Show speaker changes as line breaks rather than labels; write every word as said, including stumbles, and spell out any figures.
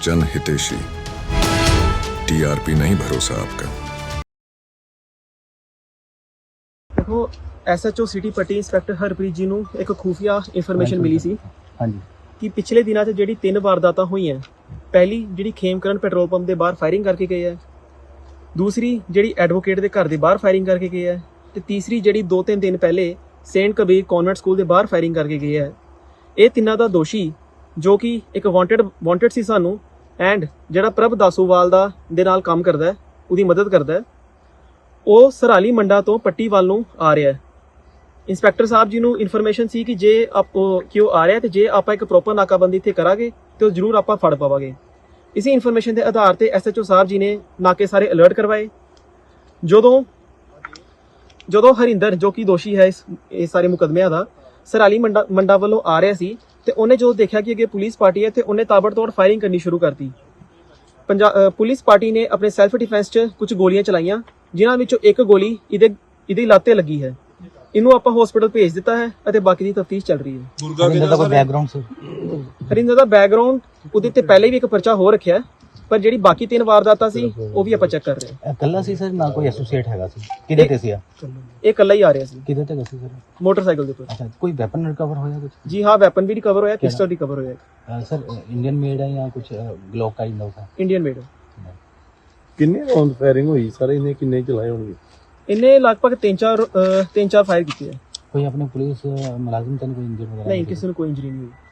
जन हितेशी, टीआरपी नहीं भरोसा आपका।
देखो SHO city Patti inspector Harpreet ji ਨੂੰ ਇੱਕ ਖੂਫੀਆ ਇਨਫੋਰਮੇਸ਼ਨ ਮਿਲੀ ਸੀ
ਹਾਂਜੀ
ਕਿ ਪਿਛਲੇ ਦਿਨਾਂ 'ਚ ਜਿਹੜੀ ਤਿੰਨ ਵਾਰਦਾਤਾਂ ਹੋਈਆਂ, ਪਹਿਲੀ ਜਿਹੜੀ ਖੇਮਕਰਨ ਪੈਟਰੋਲ ਪੰਪ ਦੇ ਬਾਹਰ ਫਾਇਰਿੰਗ ਕਰਕੇ ਗਏ ਹੈ, ਦੂਸਰੀ ਜਿਹੜੀ ਐਡਵੋਕੇਟ ਦੇ ਘਰ ਦੇ ਬਾਹਰ ਫਾਇਰਿੰਗ ਕਰਕੇ ਗਏ ਹੈ, ਤੇ ਤੀਸਰੀ ਜਿਹੜੀ ਦੋ ਤਿੰਨ ਦਿਨ ਪਹਿਲੇ ਸੇਂਟ ਕਬੀਰ ਕਨਵੈਂਟ ਸਕੂਲ ਦੇ ਬਾਹਰ ਫਾਇਰਿੰਗ ਕਰਕੇ ਗਏ ਹੈ। ਇਹ ਤਿੰਨਾਂ ਦਾ ਦੋਸ਼ੀ ਜੋ ਕਿ ਇੱਕ ਵਾਂਟਡ ਵਾਂਟਡ ਸੀ ਸਾਨੂੰ, ਐਂਡ ਜਿਹੜਾ ਪ੍ਰਭ ਦਾਸੂਵਾਲ ਦਾ ਦੇ ਨਾਲ ਕੰਮ ਕਰਦਾ ਹੈ, ਉਹਦੀ ਮਦਦ ਕਰਦਾ ਹੈ, ਉਹ ਸਰਾਲੀ ਮੰਡਾ ਤੋਂ ਪੱਟੀ ਵੱਲ ਨੂੰ ਆ ਰਿਹਾ ਹੈ। ਇੰਸਪੈਕਟਰ ਸਾਹਿਬ ਜੀ ਨੂੰ ਇਨਫੋਰਮੇਸ਼ਨ ਸੀ ਕਿ ਜੇ ਆਪ ਕਿ ਉਹ ਆ ਰਿਹਾ ਤੇ ਜੇ ਆਪਾਂ ਇੱਕ ਪ੍ਰੋਪਰ ਨਾਕਾਬੰਦੀ ਇੱਥੇ ਕਰਾਂਗੇ ਤੇ ਉਹ ਜ਼ਰੂਰ ਆਪਾਂ ਫੜ ਪਾਵਾਂਗੇ। ਇਸੇ ਇਨਫੋਰਮੇਸ਼ਨ ਦੇ ਆਧਾਰ ਤੇ ਐਸਐਚਓ ਸਾਹਿਬ ਜੀ ਨੇ ਨਾਕੇ ਸਾਰੇ ਅਲਰਟ ਕਰਵਾਏ। ਜਦੋਂ ਜਦੋਂ ਹਰਿੰਦਰ ਜੋ ਕਿ ਦੋਸ਼ੀ ਹੈ ਇਸ ਇਹ ਸਾਰੇ ਮੁਕਦਮਿਆਂ ਦਾ, ਸਰਾਲੀ ਮੰਡਾ ਮੰਡਾ ਵੱਲੋਂ ਆ ਰਿਹਾ ਸੀ ਤੇ ਉਹਨੇ ਜਦੋਂ ਦੇਖਿਆ ਕਿ ਅੱਗੇ ਪੁਲਿਸ ਪਾਰਟੀ ਹੈ ਤੇ ਉਹਨੇ ਤਾਬੜਤੋੜ ਫਾਇਰਿੰਗ ਕਰਨੀ ਸ਼ੁਰੂ ਕਰਤੀ। ਪੰਜਾਬ ਪੁਲਿਸ ਪਾਰਟੀ ਨੇ ਆਪਣੇ ਸੈਲਫ ਡਿਫੈਂਸ 'ਚ ਕੁਝ ਗੋਲੀਆਂ ਚਲਾਈਆਂ, ਜਿਨ੍ਹਾਂ ਵਿੱਚੋਂ ਇੱਕ ਗੋਲੀ ਇਹਦੇ ਇਹਦੀ ਲੱਤ ਤੇ ਲੱਗੀ ਹੈ। ਇਹਨੂੰ ਆਪਾਂ ਹਸਪੀਟਲ ਭੇਜ ਦਿੱਤਾ ਹੈ ਅਤੇ ਬਾਕੀ ਦੀ ਤਫਤੀਸ਼ ਚੱਲ ਰਹੀ ਹੈ।
ਹਰਿੰਦਰ ਦਾ ਕੋਈ ਬੈਕਗ੍ਰਾਉਂਡ ਸੀ?
ਹਰਿੰਦਰ ਦਾ ਬੈਕਗ੍ਰਾਉਂਡ ਉਹਦੇ ਤੇ ਪਹਿਲੇ ਵੀ ਇੱਕ ਪਰਚਾ ਹੋ ਰੱਖਿਆ, ਪਰ ਜਿਹੜੀ ਬਾਕੀ ਤਿੰਨ ਵਾਰਦਾਤਾਂ ਸੀ ਉਹ ਵੀ ਆਪਾਂ ਚੈੱਕ ਕਰ ਰਹੇ ਹਾਂ।
ਇਕੱਲਾ ਸੀ ਸਰ, ਨਾ ਕੋਈ ਐਸੋਸੀਏਟ ਹੈਗਾ ਸੀ? ਕਿਹਦੇ ਤੇ ਸੀ?
ਇਹ ਇਕੱਲਾ ਹੀ ਆ ਰਿਹਾ ਸੀ।
ਕਿਹਦੇ ਤੇ ਸੀ ਸਰ?
ਮੋਟਰਸਾਈਕਲ ਦੇ ਉੱਪਰ।
ਅੱਛਾ, ਕੋਈ ਵੈਪਨ ਰਿਕਵਰ ਹੋਇਆ ਕੁਝ?
ਜੀ ਹਾਂ, ਵੈਪਨ ਵੀ ਰਿਕਵਰ ਹੋਇਆ, ਪਿਸਟਲ ਰਿਕਵਰ ਹੋਇਆ।
ਸਰ ਇੰਡੀਅਨ ਮੇਡ ਹੈ ਜਾਂ ਕੁਝ ਗਲੋਕ ਕਾਈਂਡ ਆਫ ਹੈ?
Indian made.
ਕਿੰਨੇ ਰਾਉਂਡ ਫਾਇਰਿੰਗ ਹੋਈ ਸਰ? ਇਹਨੇ ਕਿੰਨੇ ਚਲਾਏ ਹੋਣਗੇ?
ਇਹਨੇ ਲਗਭਗ ਤਿੰਨ ਚਾਰ ਤਿੰਨ ਚਾਰ ਫਾਇਰ ਕੀਤੇ ਹੈ।
ਕੋਈ ਆਪਣੇ ਪੁਲਿਸ ਮੁਲਾਜ਼ਮ ਤਾਂ ਨਹੀਂ ਕੋਈ ਇੰਜਰਡ ਵਗੈਰਾ?
ਨਹੀਂ, ਕਿਸੇ ਨੂੰ ਕੋਈ ਇੰਜਰੀ ਨਹੀਂ ਹੋਈ।